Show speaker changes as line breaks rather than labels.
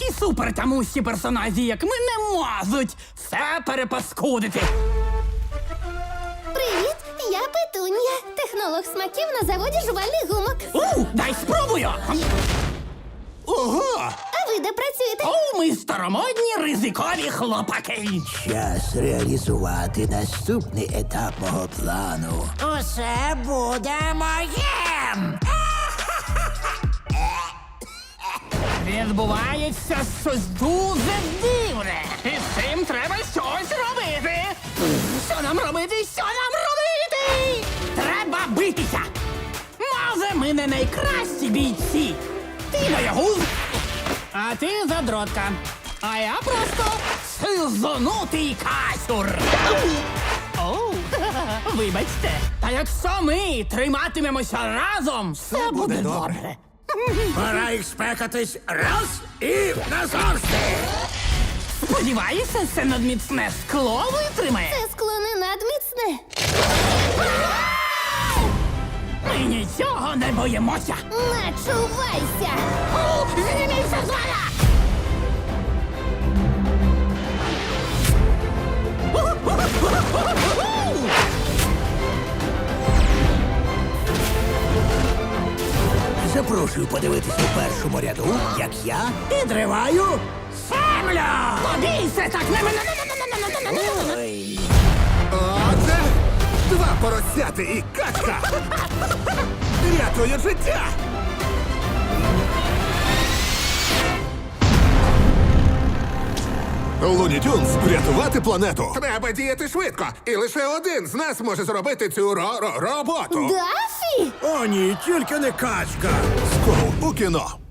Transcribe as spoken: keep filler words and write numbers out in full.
такі супертамусі персонажі, як ми, не можуть все перепаскудити.
Привіт, я Петунія, технолог смаків на заводі жувальних гумок.
У, дай спробую!
Ого!
А ви де працюєте?
О, ми старомодні ризикові хлопаки.
Час реалізувати наступний етап мого плану.
Усе буде моїм!
Відбувається щось дуже дивне. І з цим треба щось робити. Що нам робити? Що нам робити? Треба битися. Може, ми не найкращі бійці. Ти боягуз, а ти задротка. А я просто сизонутий касюр. Оу, вибачте. Та якщо ми триматимемося разом, все буде добре.
Пора їх спекатись раз і назавжди!
Сподіваюся, це надміцне скло витримає.
Це скло не надміцне.
Ми нічого не боїмося.
Начувайся!
О, зніміться з мене!
Запрошую подивитися у першому ряду, як я підриваю
Землю! Побійся так! Не мене!
Ой.
Оце два поросяти і качка! Рятує життя! Луні Тюнс, врятувати планету! Треба діяти швидко, і лише один з нас може зробити цю ро-ро- роботу.
Дафі!
О, ні, тільки не качка! Скоро у кіно.